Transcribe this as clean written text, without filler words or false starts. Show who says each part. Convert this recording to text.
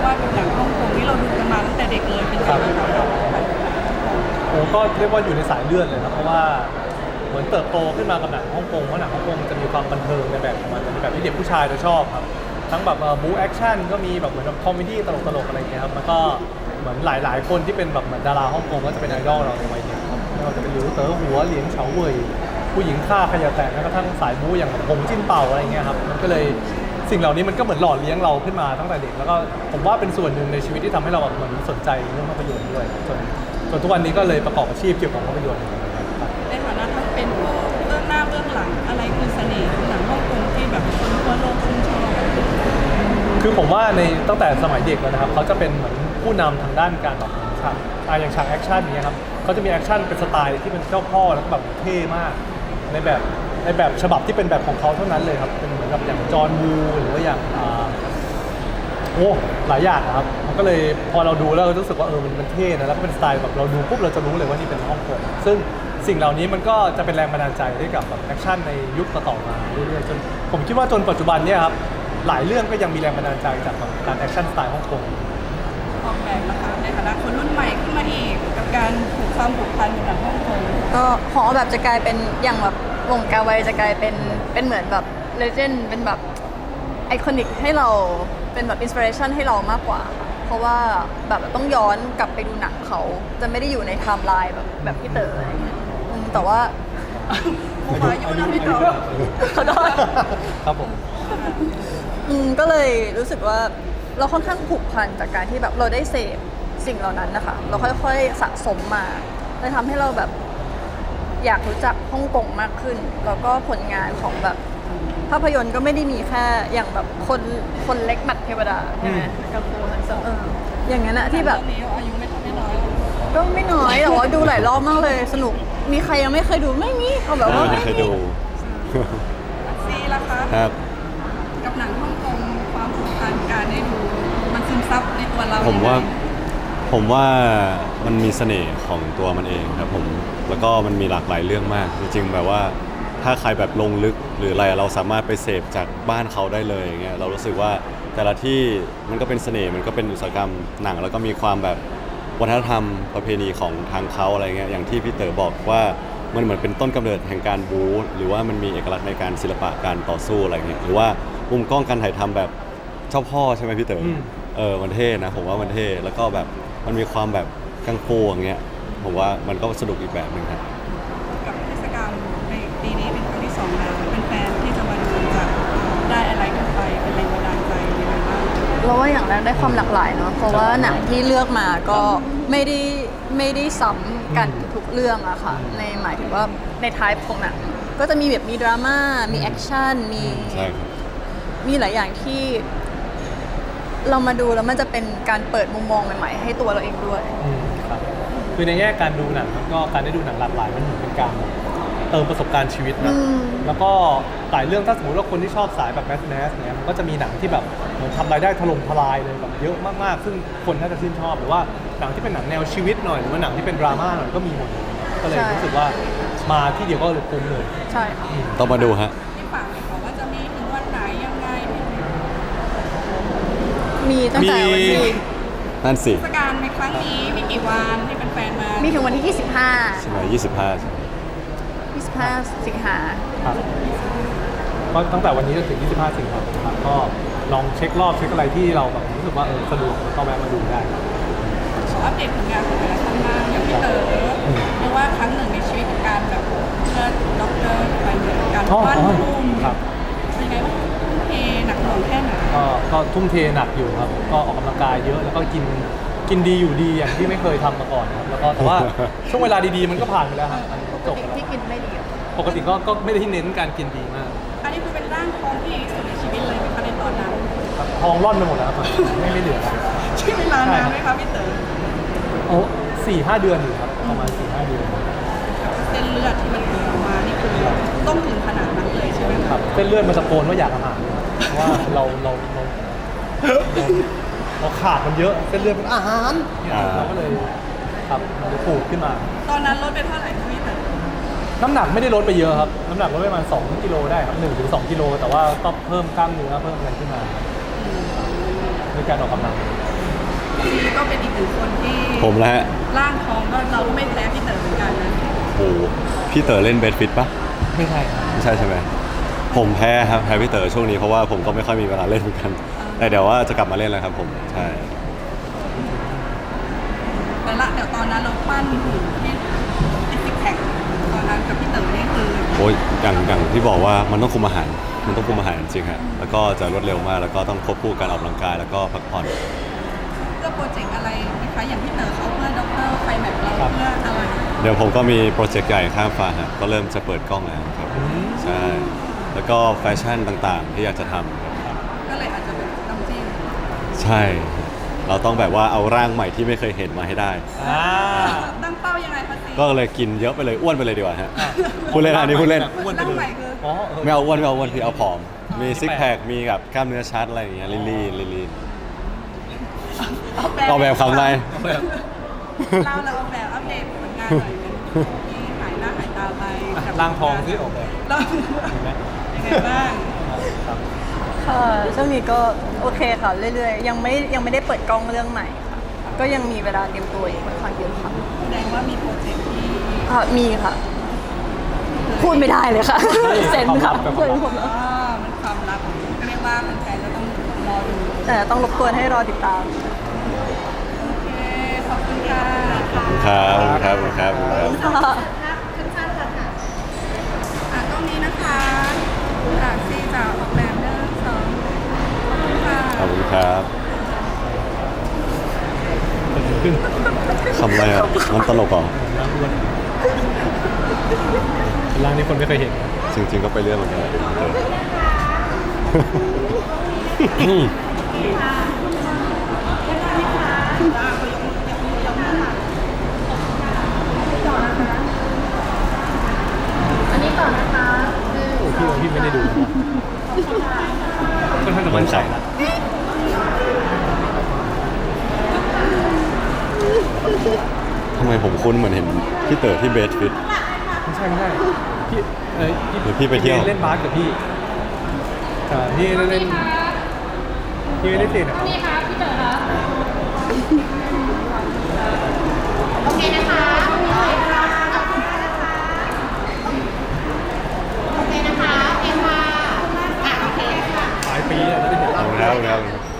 Speaker 1: ว่าเป็นหนังฮ่องกงที่เราดูกันมาตั้งแต่เด็กเลยเป็นยังไงบ้างครับ
Speaker 2: โอ้ก็เรียกว่าอยู่ในสายเลือดเลยนะเพราะว่าเหมือนเติบโตขึ้นมากับหนังฮ่องกงเพราะหนังฮ่องกงจะมีความบันเทิงในแบบของมันในแบบที่เด็กผู้ชายจะชอบครับทั้งแบบบู๊แอคชั่นก็มีแบบเหมือนคอมเมดี้ตลกๆอะไรเงี้ยครับมันก็เหมือนหลายๆคนที่เป็นแบบเหมือนดาราฮ่องกงก็จะเป็นไอดอลเราในวัยเด็กครับไม่ว่าจะเป็นหลิวเต๋อหัวเหลียงเฉาเว่ยผู้หญิงฆ่าขยะแตกแม้กระทั่งสายบู๊อย่างหงจิ้นเป่าอะไรเงี้ยครับมันก็เลยสิ่งเหล่านี้มันก็เหมือนหล่อเลี้ยงเราขึ้นมาตั้งแต่เด็กแล้วก็ผมว่าเป็นส่วนหนึ่งในชีวิตที่ทำให้เราแบบเหมือนสนใจเรื่องภาพยนตร์ด้วยจนทุกวันนี้ก็เลยประกอบอาชีพเกี่ยวกับภาพยนตร์
Speaker 1: ในฐานะทั้งเป็นผู้เบื้องหน้าเบื้องหลังอะไรคือเสน่ห์ของหนังฮ่องกงที่แบบคนทั่วโลกชื่นชอบ
Speaker 2: คือผมว่าในตั้งแต่สมัยเด็กแล้วนะครับเขาจะเป็นเหมือนผู้นำทางด้านการแบบฉากอย่างฉากแอคชั่นอย่างเงี้ยครับเขาจะมีแอคชั่นเป็นสไตล์ที่เป็นเจ้าพ่อแล้วก็แบบเท่มากในแบบฉบับที่เป็นแบบของเขาเท่านั้นเลยครับเป็นเหมือนกับอย่างจอห์นวูหรือว่าอย่างโอ้หลายอย่างนะครับมันก็เลยพอเราดูแล้วเรารู้สึกว่ามันเท่นะแล้วก็เป็นสไตล์แบบเราดูปุ๊บเราจะรู้เลยว่านี่เป็นฮ่องกงซึ่งสิ่งเหล่านี้มันก็จะเป็นแรงบันดาลใจให้กับแบบแอคชั่นในยุคต่อๆมาเรื่อยๆจนผมคิดว่าจนปัจจุบันเนี่ยครับหลายเรื่องก็ยังมีแรงบันดาลใจจากการแอคชั่นสไตล์ฮ่องกง
Speaker 1: ออกแบบนะคะในฐานะคนรุ่นใหม่ขึ้นมาอีกกับการความผูกพันกับหนังฮ่องกง
Speaker 3: ก็หอแบบจะกลายเป็นอย่างแบบวงการไวจะกลายเป็นเหมือนแบบเลเจนด์เป็นแบบไอคอนิกให้เราเป็นแบบอินสปิเรชันให้เรามากกว่าเพราะว่าแบบต้องย้อนกลับไปดูหนังเขาจะไม่ได้อยู่ในไทม์ไลน์แบบพี่เต๋ออะไรเงี้ยแต่ว่า
Speaker 1: ผมอายุนะพี่เต๋อ
Speaker 3: ขอโทษ
Speaker 2: ครับผม
Speaker 3: ก็เลยรู้สึกว่าเราค่อนข้างผูกพันจากการที่แบบเราได้เสพสิ่งเหล่านั้นนะคะเราค่อยๆสะสมมาเลยทำให้เราแบบอยากรู้จักฮ่องกงมากขึ้นแล้วก็ผลงานของแบบภาพยนตร์ก็ไม่ได้มีแค่อย่างแบบคนเล็กหมัดเทวดาใช่ไหมกับโคฮันเซอร์อย่างนั้นอะที่แบบ
Speaker 1: อายุไม่น้อย
Speaker 3: ก็ไม่น้อยแต่ว่าดูหลายรอบมากเลยสนุกมีใครยังไม่เคยดูไม่มีเขาแบบว่า
Speaker 4: ไม่เคยดู
Speaker 1: ซีล่ะคะ
Speaker 4: ครับ
Speaker 1: กับหนังฮ่องกงความผูกพันการได้ดูมันซึมซับในตัวเรา
Speaker 4: ผมว่ามันมีเสน่ห์ของตัวมันเองครับผมแล้วก็มันมีหลากหลายเรื่องมากจริงๆแบบว่าถ้าใครแบบลงลึกหรืออะไรเราสามารถไปเสพจากบ้านเขาได้เลยอย่างเงี้ยเรารู้สึกว่าแต่ละที่มันก็เป็นเสน่ห์มันก็เป็นอุตสาหกรรมหนังแล้วก็มีความแบบวัฒนธรรมประเพณีของทางเขาอะไรเงี้ยอย่างที่พี่เต๋อบอกว่ามันเหมือนเป็นต้นกำเนิดแห่งการบู๊หรือว่ามันมีเอกลักษณ์ในการศิลปะการต่อสู้อะไรเงี้ยหรือว่ามุมกล้องการถ่ายทำแบบเจ้าพ่อใช่ไหมพี่เต๋อมันเท่นะผมว่ามันเท่แล้วก็แบบมันมีความแบบกังฟูอย่างเงี้ยผมว่ามันก็สนุกอีกแบบหนึ่งครับ
Speaker 1: กับเทศกาลในปีนี้เป็นครั้งที่2แล้วเป็นแฟนที่จะมาดูจะได้อะไรกันไปเป็นแรงบันดาลใจยังไงบ้าง
Speaker 3: เราว่าอย่างแรกได้ความหลากหลายเนาะเพราะว่าหนังที่เลือกมาก็ไม่ได้ซ้ำกันทุกเรื่องอะค่ะในหมายถึงว่าในไทป์ของหนังก็จะมีแบบมีดราม่ามีแอคชั่นมีหลายอย่างที่เรามาดูแล้วมันจะเป็นการเปิดมุมมองใหม่ๆให้ตัวเราเองด้วย
Speaker 2: ครับคือในแง่การดูหนังก็การได้ดูหนังหลากหลายมันเหมือนเป็นการเติมประสบการณ์ชีวิตนะแล้วก็หลายเรื่องถ้าสมมติว่าคนที่ชอบสายแบบแมสเนี่ยมันก็จะมีหนังที่แบบเหมือนทำรายได้ถล่มทลายเลยแบบเยอะมากๆซึ่งคนน่าจะชื่นชอบหรือว่าหนังที่เป็นหนังแนวชีวิตหน่อยหรือว่าหนังที่เป็นดราม่าหน่อยก็มีหมดก็เลยรู้สึกว่ามาที่เดียวก็เลยคุ้มเลย
Speaker 3: ใช่ค่ะ
Speaker 4: ต้องมาดูฮะ
Speaker 1: ที่ฝากเลยค่ะว่าจะมีถึงวันไหนยังไง
Speaker 3: มีตั้งแต่วันที่
Speaker 4: นั่นสิ
Speaker 1: เทศกาลในครั้งนี้มีกี่วันให้แฟนๆมา
Speaker 3: มีถึงวันที่25
Speaker 4: ใช่ไหม25
Speaker 3: สิงหา
Speaker 2: ครับก็ตั้งแต่วันนี้จนถึง25 สิงหาคมครับก็ลองเช็ครอบเช็คอะไรที่เราแบบรู้สึกว่าสะดวกก็แวะมาดูได้
Speaker 1: ขออัปเดตผลงานของแต่ละท่านบ้างอย่างพี่เต๋อเรียกว่าครั้งหนึ่งในชีวิตของการแบบเลือดด็อกเตอร์ไปเหมือนการบ้านทุ่มเป็นไงบ้างทุ่มเทหนักหน่วงแค่ไหน
Speaker 2: ก็ทุ่มเทหนักอยู่ครับก็ออกกำลังกายเยอะแล้วก็กินดีอยู่ดีอย่างที่ไม่เคยทำมาก่อนครับแล้วก็แต่ว่าช่วงเวลาดีๆมันก็ผ่านไปแล้วครับ
Speaker 3: จบที่กินไม่ดี
Speaker 2: ปกติก็ไม่ได้เน้นการกินดีมาก
Speaker 1: อันนี้คือเป็นร่างทองที่ดีที่สุดในชีวิตเลยไหมคะในตอนนั้น
Speaker 2: ทองร่อนไปหมดแล้วครับไม่เหลือแล้ว
Speaker 1: ใช่เวลานานไหมคะพี่เต๋อ
Speaker 2: โอ้4-5 เดือนอยู่ครับประมาณ4-5 เดือน
Speaker 1: เส้นเลือดที่มันออกมานี่คือต้องถึงขนาดนั้นเลยใช่ไหม
Speaker 2: ครับเส้นเลือดมันตะโกนว่าอยากอาหารเพราะว่าเราขาดมันเยอะเส้นเลือดเป็นอาหารเราก็เลยครับมันเลยปูดขึ้นมา
Speaker 1: ตอนนั้นลดไปเท่าไหร่พี่เต๋อ
Speaker 2: น้ำหนักไม่ได้ลดไปเยอะครับน้ำหนักลดไปประมาณ2 กิโลได้ครับ1 ถึง 2 กิโลแต่ว่าก็เพิ่มกล้ามเนื้อเพิ่มอะไรขึ้นมาด้วยการออกกำลัง
Speaker 1: ซีก็เป็นอีกหนึ่งคนที่
Speaker 4: ผมแล้วฮะ
Speaker 1: ร่างทองก็เราก็ไม่แพ้พี่เต๋อเหมือนกันนะ
Speaker 4: โอ้โหพี่เต๋อเล่นเบสฟิตปะ
Speaker 2: ไม่ใช่ครับ
Speaker 4: ไม่ใช่ใช่ไหมผมแพ้ครับแพ้พี่เต๋อช่วงนี้เพราะว่าผมก็ไม่ค่อยมีเวลาเล่นเหมือนกัน แต่เดี๋ยวว่าจะกลับมาเล่นแล้วครับผมใช่
Speaker 1: แต่ละเดี๋ยวตอนนั้นเราปั้นหุ่นที่ติดซิกแพคตอนนั้นกับพี่เต๋อนี่คือ
Speaker 4: โอ้ยอย่างที่บอกว่ามันต้องคุมอาหารมันต้องคุมอาหารจริงๆฮะแล้วก็จะรวดเร็วมากแล้วก็ต้องควบคู่การออกกำลังกายแล้วก็พักผ่อน
Speaker 1: เพื่อโปรเจกต์อะไรนะคะอย่างพี่เต๋อเขาเพื่อด็อกเตอร์ไฟแมทเราเพื่ออะไร
Speaker 4: เดี๋ยวผมก็มีโปรเจกต์ใหญ่ข้ามฟ้าฮะก็เริ่มจะเปิดกล้องแล้วครับใช่แล้วก็แฟชั่นต่างๆ ที่อยากจะทำครับ
Speaker 1: ก็เลยอาจจะเป็นน้ำจิ้ม
Speaker 4: ใช่ เราต้องแบบว่าเอาร่างใหม่ที่ไม่เคยเห็นมาให้ได้
Speaker 1: ตั้งเป้ายังไงคะซี
Speaker 4: ก็เลยกินเยอะไปเลยอ้วนไปเลยดีกว่าฮะพูดเล่นอันนี้พูดเล่น
Speaker 2: อ้วนไป
Speaker 1: ร่าง
Speaker 2: เล
Speaker 1: ใหม่
Speaker 2: ย
Speaker 1: คือ
Speaker 2: อ๋อ
Speaker 4: ไม่เอาอ้วนคือเอาผอม มีซิก
Speaker 2: แปลก
Speaker 4: แพคมีแบบกล้ามเนื้อชัดอะไรอย่างเงี้ยลีน
Speaker 1: เอา
Speaker 4: ออกแบบคำไร
Speaker 1: เราเอาแบบอัปเดตผลงานหน่อยเป็นที่หายหน้าหายตาไปกับ
Speaker 2: ร่างทองที่ออกแบบ
Speaker 1: เรา
Speaker 2: เห็นไหม
Speaker 1: ยังไงบ้าง
Speaker 2: ครับ
Speaker 3: ค่ะช่วงนี้ก็โอเคค่ะเรื่อยๆยังไม่ได้เปิดกล้องเรื่องใหม่ค่ะก็ยังมีเวลาเตรียมตัวอีกค่อนข้างเยอะค่ะ
Speaker 1: แสดงว่ามีโปรเจกต์ที่
Speaker 3: ค่ะมีค่ะ พูดไม่ได้เลยค่ะ เซนค่ะ
Speaker 2: ความลับ
Speaker 3: เพื่อนผม
Speaker 1: อ๋อมันความลับก็เรียกว่าแฟนๆก็ต้องรอดู
Speaker 3: แต่ต้องรบกวนให้รอติดตาม
Speaker 1: โอเคขอบคุณค่ะ
Speaker 4: ครับครับ
Speaker 3: ค่ะ
Speaker 1: ตรงนี้นะคะซีจะออกแบบเรื่องสองขอบคุณค่ะ
Speaker 4: ขอบคุณครับคำอะไรอ่ะมันตลกเหรอ
Speaker 2: ร่างอ้วนร่างที่คนไม่เคยเห็น
Speaker 4: จริงๆก็ไปเรื่อยเหมือนกัน
Speaker 2: โอ้พี่ไม่ได้ดูค่อนข้างจะมั่นใจนะ
Speaker 4: ทำไมผมคุ้นเหมือนเห็นพี่เต๋อที่เบสฟิต
Speaker 2: ไม่ใช่พี่
Speaker 4: หรือพี่ไปเที่ยว
Speaker 2: เล่นบาสกับพี่พี่เล่นพี่ไม่ได้ติดนะครับ
Speaker 5: นี่ค่ะพี่เต๋อคะโอเคนะคะโอเคนะคะโอเคค่ะโอเคค่ะ
Speaker 2: หลายปีแล้วจะได้เห็น
Speaker 4: ขอบคุณครับ